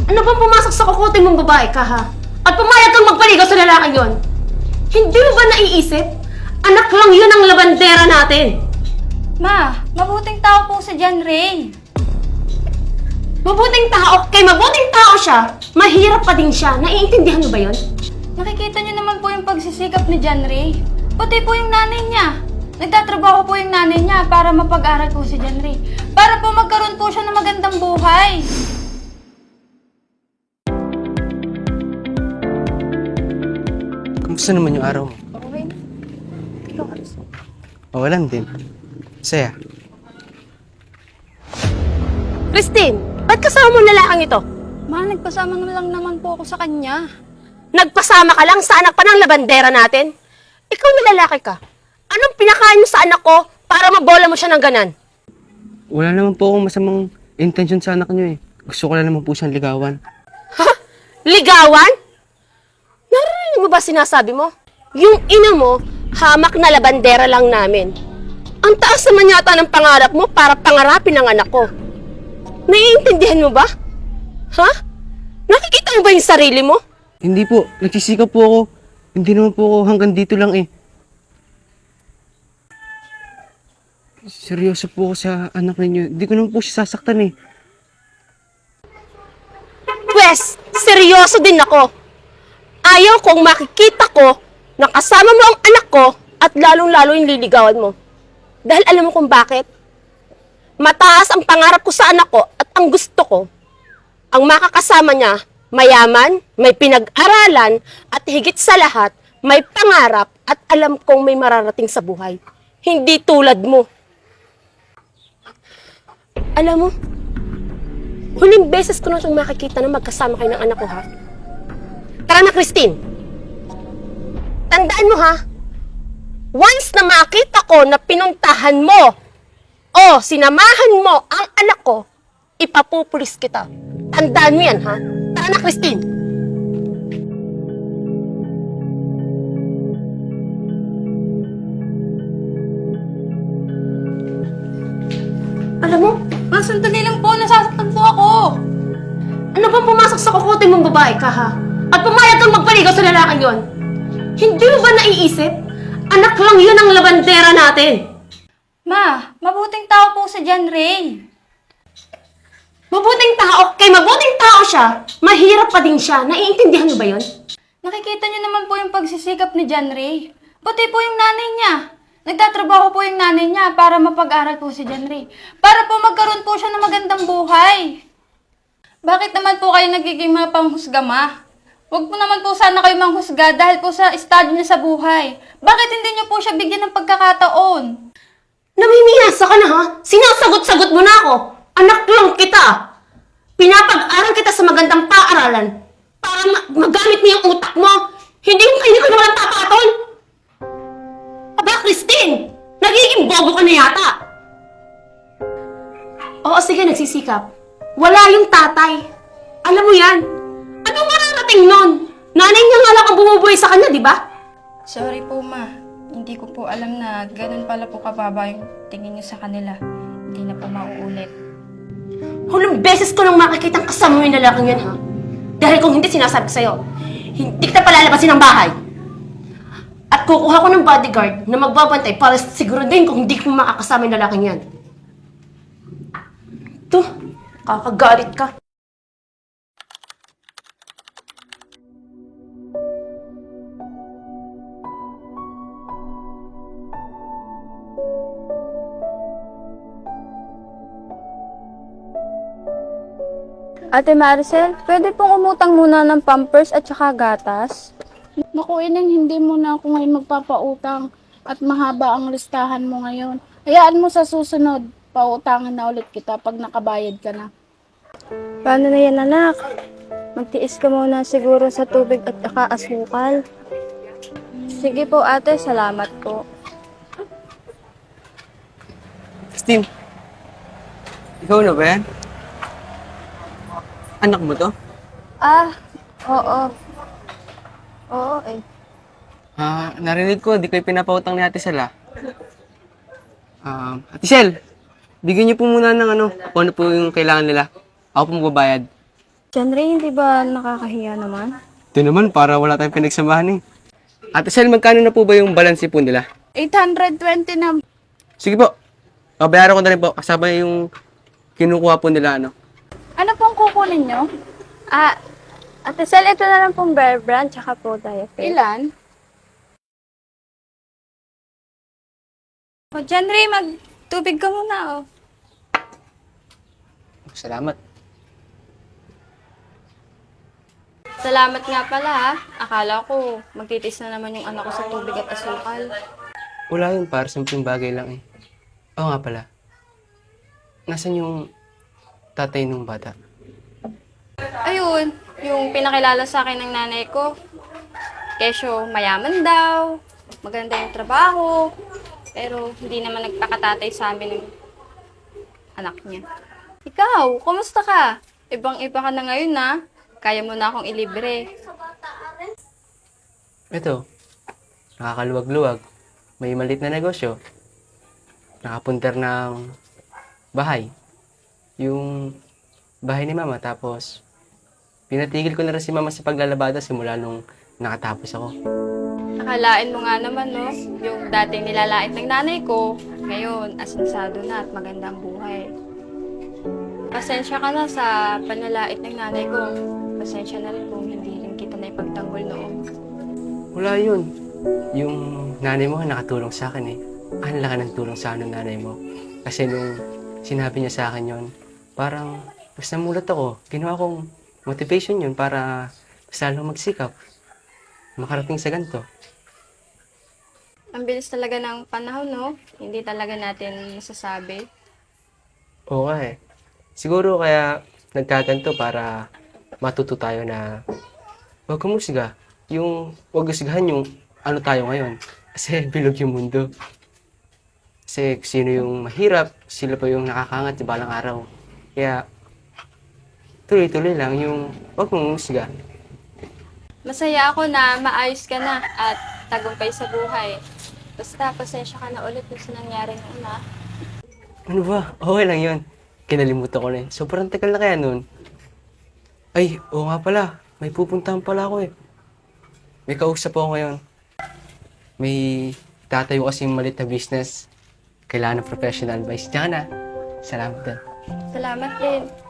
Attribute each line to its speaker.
Speaker 1: Ano bang pumasok sa kukote mong babae ka, ha? At pumayag kang magpaligaw sa lalaking yon? Hindi mo ba naiisip? Anak lang yun ang labandera natin.
Speaker 2: Ma, mabuting tao po si John Ray.
Speaker 1: Mabuting tao, kay mabuting tao siya, mahirap pa din siya. Naiintindihan mo ba yon?
Speaker 2: Nakikita niyo naman po yung pagsisikap ni John Ray. Pati po yung nanay niya. Nagtatrabaho po yung nanay niya para mapag-aral po si John Ray. Para po magkaroon po siya ng magandang buhay.
Speaker 3: Kamusta naman yung araw mo?
Speaker 2: Okay. Ikaw,
Speaker 3: Walang din. Saya.
Speaker 1: Christine, ba't kasama mo lalaking ito?
Speaker 2: Ma, nagpasama na lang naman po ako sa kanya.
Speaker 1: Nagpasama ka lang sa anak pa ng labandera natin? Ikaw na lalaki ka. Anong pinakain mo sa anak ko para mabola mo siya ng ganan?
Speaker 3: Wala naman po akong masamang intention sa anak niyo eh. Gusto ko lang naman po siyang ligawan.
Speaker 1: Ha? Ligawan? Narinig mo ba sinasabi mo? Yung ina mo, hamak na labandera lang namin. Ang taas naman yata ng pangarap mo para pangarapin ang anak ko. Naiintindihan mo ba? Ha? Nakikita mo ba yung sarili mo?
Speaker 3: Hindi po, nagsisikap po ako. Hindi naman po ako hanggang dito lang eh. Seryoso po ako sa anak ninyo. Hindi ko naman po siya sasaktan eh.
Speaker 1: Pwes, seryoso din ako. Ayaw kong makikita ko na kasama mo ang anak ko at lalong-lalo yung liligawan mo. Dahil alam mo kung bakit? Mataas ang pangarap ko sa anak ko at ang gusto ko, ang makakasama niya, mayaman, may pinag-aralan, at higit sa lahat, may pangarap at alam kong may mararating sa buhay. Hindi tulad mo. Alam mo, huling beses ko na siyang makikita na magkasama kayo ng anak ko, ha? Tara na, Christine. Tandaan mo, ha? Once na makita ko na pinuntahan mo o sinamahan mo ang anak ko, ipapupulis kita. Tandaan mo yan, ha? Tara na, Christine. Alam mo,
Speaker 2: Ma, sandali lang po. Nasasaktan po ako.
Speaker 1: ano bang pumasok sa kukote mong babae ka, ha? At pumayag kang magpaligaw sa lalaking yon? Hindi mo ba naiisip? Anak lang yun ang labandera natin.
Speaker 2: Ma, mabuting tao po si John Ray.
Speaker 1: Mabuting tao, kay mabuting tao siya, mahirap pa din siya. Naiintindihan mo ba yon?
Speaker 2: Nakikita niyo naman po yung pagsisikap ni John Ray. Pati po yung nanay niya. Nagtatrabaho po yung nanay niya para mapag-aral po si John Ray. Para po magkaroon po siya ng magandang buhay. Bakit naman po kayo nagiging mga panghusga, ma? Huwag po naman po sana kayo manghusga dahil po sa estado niya sa buhay. Bakit hindi niyo po siya bigyan ng pagkakataon?
Speaker 1: Namimiyasa ka na, ha? Sinasagot-sagot mo na ako. Anak lang kita. Pinapag-aral kita sa magandang paaralan para magamit mo yung utak mo. Hindi ka na walang tapatol. Aba, Christine! Nagiging bobo ka na yata. Oo, sige, nagsisikap. Wala yung tatay. Alam mo yan. Anong mararating nun? Nanay niya nga lang ang bumubuhay sa kanya, di ba?
Speaker 2: Sorry po, ma. Hindi ko po alam na ganun pala po kababa yung tingin niyo sa kanila. Hindi na po mauulit.
Speaker 1: Hulong beses ko nang makikitang kasama mo yung lalaking yan, ha? Dahil kung hindi, sinasabi ko sa'yo, hindi kita palalabasin ng bahay. At kukuha ko ng bodyguard na magbabantay para siguro din kung hindi ko makakasama yung lalaking yan. Ito, kakagalit ka.
Speaker 4: Ate Maricel, pwede pong umutang muna ng pampers at saka gatas?
Speaker 5: Naku, Ineng, hindi mo na ako ngayon magpapautang at mahaba ang listahan mo ngayon. Hayaan mo sa susunod, pautangan na ulit kita pag nakabayad ka na.
Speaker 4: Paano na yan, anak? Magtiis ka muna siguro sa tubig at saka asukal. Sige po, ate. Salamat po.
Speaker 3: Christine, ikaw na ba yan? Anak mo to?
Speaker 4: Ah, oo. Oo, eh.
Speaker 3: Narinig ko, di kayo pinapautang ni Ate Sel, Ate Sel, bigyan niyo po muna ng kung ano po yung kailangan nila. Ako po magbabayad.
Speaker 4: John Ray, hindi ba nakakahiya naman?
Speaker 3: Ito naman, para wala tayong pinagsamahan eh. Ate Sel, magkano na po ba yung balance po nila?
Speaker 5: 820 na.
Speaker 3: Sige po. Bayaran ko na rin po. Kasama yung kinukuha po nila, ano.
Speaker 5: Ano pong kukunin nyo?
Speaker 4: Ate Sel, ito na lang pong Bear Brand, tsaka po diet.
Speaker 5: Ilan?
Speaker 2: O, John Ray, magtubig ka muna, oh.
Speaker 3: Salamat.
Speaker 2: Salamat nga pala, ha. Akala ko, magtitis na naman yung anak ko sa tubig at asukal.
Speaker 3: Wala yun, para simpleng bagay lang eh. Oo nga pala. Nasaan yung tatay nung bata?
Speaker 2: Ayun, yung pinakilala sa akin ng nanay ko. Kesyo, mayaman daw, maganda yung trabaho, pero hindi naman nagpakatatay sa amin ng anak niya. Ikaw, kumusta ka? Ibang-iba ka na ngayon, na. Kaya mo na akong ilibre.
Speaker 3: Ito, nakakaluwag-luwag. May malit na negosyo. Nakapunter ng bahay. Yung bahay ni mama. Tapos, pinatigil ko na rin si mama sa paglalabada simula nung nakatapos ako.
Speaker 2: Akalain mo nga naman, no? Yung dating nilalait ng nanay ko, ngayon, asensado na at maganda ang buhay. Pasensya ka na sa panlalait ng nanay ko. Pasensya na rin kung hindi rin kita na ipagtanggol noon.
Speaker 3: Wala yun. Yung nanay mo nakatulong sa akin eh. Ang laki ng tulong sa akin ng nanay mo. Kasi nung sinabi niya sa akin yon, parang mas namulat ako. Ginawa kong motivation yun para mas lalong magsikap. Makarating sa ganito.
Speaker 2: Ang bilis talaga ng panahon, no? Hindi talaga natin masasabi.
Speaker 3: Oo nga eh. Siguro kaya nagkaganto para matuto tayo na huwag kumusga. Yung huwag usgahan yung ano tayo ngayon. Kasi bilog yung mundo. Kasi sino yung mahirap, sila pa yung nakakangat sa balang araw. Kaya tuloy-tuloy lang yung huwag kumusga.
Speaker 2: Masaya ako na maayos ka na at tagumpay sa buhay. Basta, pasensya ka na ulit sa nangyari noon, ha?
Speaker 3: Ano ba? Okay lang yun. Kinalimutan ko na eh. Sobrang tagal na kaya nun. Ay, oo nga pala. May pupuntahan pala ako eh. May kausap ako ngayon. May tatayo kasing malit na business. Kailangan ng professional advice. Diyan ka na. Salamat din.
Speaker 2: Salamat din.